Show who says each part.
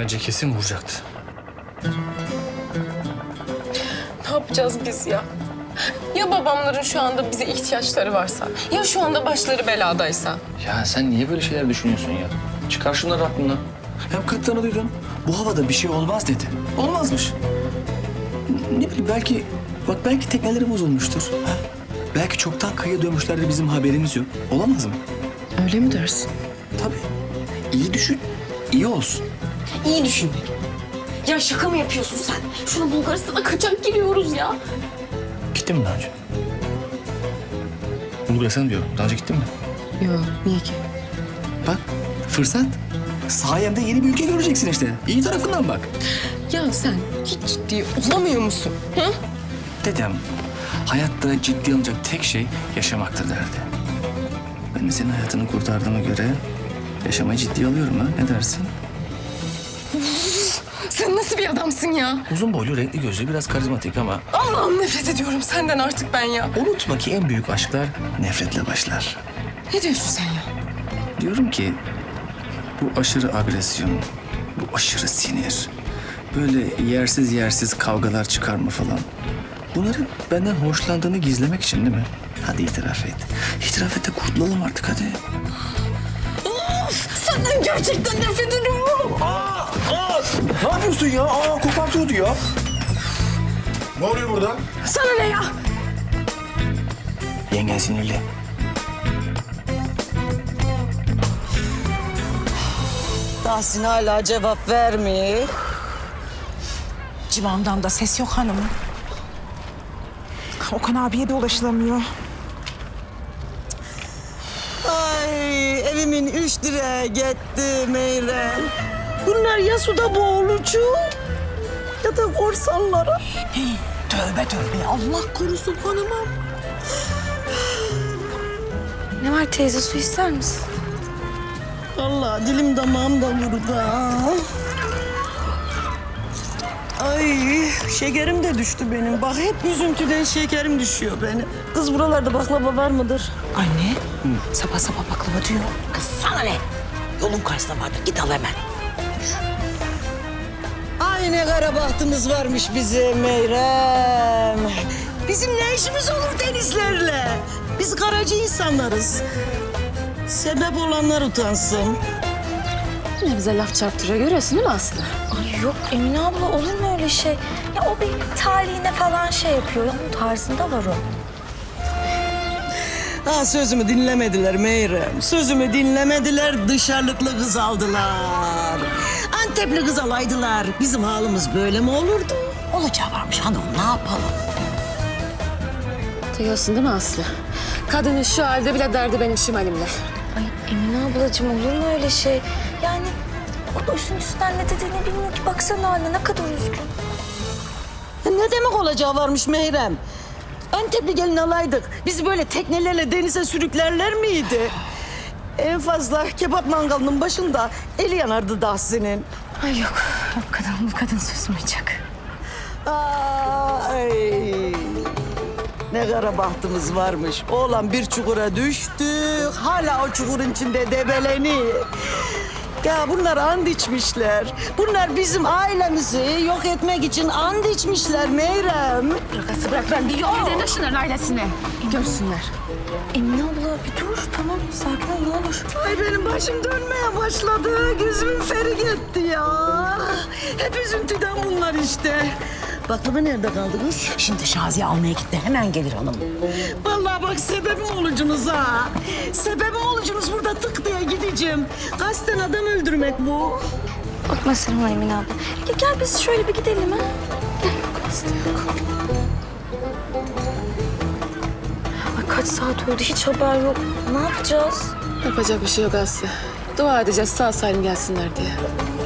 Speaker 1: Bence kesin vuracaktı.
Speaker 2: Ne yapacağız biz ya? Ya babamların şu anda bize ihtiyaçları varsa? Ya şu anda başları beladaysa?
Speaker 1: Ya sen niye böyle şeyler düşünüyorsun ya? Çıkar şunları aklından.
Speaker 3: Hem kaptanı duydun. Bu havada bir şey olmaz dedi. Olmazmış. Ne bileyim belki tekneleri bozulmuştur. Ha? Belki çoktan kıyıya dönmüşlerdir, bizim haberimiz yok. Olamaz mı?
Speaker 2: Öyle mi dersin?
Speaker 3: Tabii. İyi düşün, iyi olsun.
Speaker 2: İyi düşünmek. Ya şaka mı yapıyorsun sen? Şuna Bulgaristan'a kaçak giriyoruz ya.
Speaker 1: Gittin mi daha önce? Bulgaristan'a diyorum. Daha önce gittin mi?
Speaker 2: Yok, niye ki?
Speaker 3: Bak, fırsat. Sayemde yeni bir ülke göreceksin işte. İyi tarafından bak.
Speaker 2: Ya sen hiç ciddi olamıyor musun? Hı?
Speaker 3: Dedem, hayatta ciddi alınacak tek şey yaşamaktır derdi. Ben de senin hayatını kurtardığıma göre yaşamayı ciddiye alıyorum ha. Ne dersin?
Speaker 2: Sen nasıl bir adamsın ya?
Speaker 3: Uzun boylu, renkli gözlü, biraz karizmatik ama
Speaker 2: Allah'ım nefret ediyorum senden artık ben ya.
Speaker 3: unutma ki en büyük aşklar nefretle başlar.
Speaker 2: Ne diyorsun sen ya?
Speaker 3: Diyorum ki bu aşırı agresyon, bu aşırı sinir, böyle yersiz kavgalar çıkarma falan. Bunların benden hoşlandığını gizlemek için değil mi? Hadi itiraf et. İtiraf et de kurtulalım artık hadi.
Speaker 2: Of! Senden gerçekten nefret ediyorum.
Speaker 3: Ne yapıyorsun ya? Kopartıyordu ya.
Speaker 4: Ne oluyor burada?
Speaker 2: Sana ne ya?
Speaker 3: Yengen sinirli.
Speaker 5: Tahsin hala cevap vermiyor.
Speaker 6: Civan'dan da ses yok hanımım. Okan abiye de ulaşılamıyor.
Speaker 5: Ay evimin 3 direği gitti Meyrem. Bunlar ya suda boğulucu ya da korsanlara.
Speaker 6: Tövbe tövbe Allah korusun hanımım.
Speaker 2: Ne var teyze, su ister misin?
Speaker 5: Allah dilim damağım da vurdu ha. Ay şekerim de düştü benim. Bak hep üzüntüden şekerim düşüyor benim. Kız buralarda baklava var mıdır?
Speaker 6: Anne sabah sabah baklava diyor. Kız sana ne? Yolun karşısında vardır git al hemen.
Speaker 5: Ay ne kara bahtımız varmış bize Meyrem. Bizim ne işimiz olur denizlerle? Biz karacı insanlarız. Sebep olanlar utansın.
Speaker 2: Yine bize laf çarptırıyor, görüyorsun değil mi Aslı?
Speaker 7: Ay yok Emine abla olur mu öyle şey? Ya o bir talihine falan şey yapıyor. Ya onun tarzında var o.
Speaker 5: Ha sözümü dinlemediler Meyrem. Sözümü dinlemediler, dışarılıklı kız aldılar. Antepli kız alaydılar. Bizim halimiz böyle mi olurdu?
Speaker 6: Olacağı varmış hanım ne yapalım?
Speaker 2: Duyuyorsun değil mi Aslı? Kadının şu halde bile derdi benim şimalimle.
Speaker 7: Ay Emine ablacığım olur mu öyle şey? Yani o da üzüntüsünden ne dediğini bilmiyor ki. Baksana haline ne kadar üzgün.
Speaker 5: Ne demek olacağı varmış Meyrem? Antepli gelin alaydık. Bizi böyle teknelerle denize sürüklerler miydi? En fazla kebap mangalının başında eli yanardı Tahsin'in.
Speaker 7: Ay yok. Bu kadın susmayacak.
Speaker 5: Ay. Ne kara bahtımız varmış. Oğlan bir çukura düştü. Hala o çukurun içinde debeleniyor. Ya bunlar and içmişler. Bunlar bizim ailemizi yok etmek için and içmişler Meyrem.
Speaker 2: Bırak ben bir yol gidelim şunların ailesine. Görsünler.
Speaker 7: Emine abla bir dur. Tamam sakin ol ne olur.
Speaker 5: Ay benim başım dönmeye başladı. Gözümün feri gitti ya. Hep üzüntüden bunlar işte. Baklava nerede kaldı kız?
Speaker 6: Şimdi Şaziye almaya gitti hemen gelir hanım.
Speaker 5: Vallahi bak sebebim olucunuz ha. Sebebim olucunuz burada tık diye gideceğim. Kasten adam öldürmek bu.
Speaker 7: Bakma sen ona Emine abla. Gel biz şöyle bir gidelim ha. Ay kaç saat oldu hiç haber yok. Ne yapacağız?
Speaker 2: Yapacak bir şey yok Aslı. Dua edeceğiz sağ salim gelsinler diye.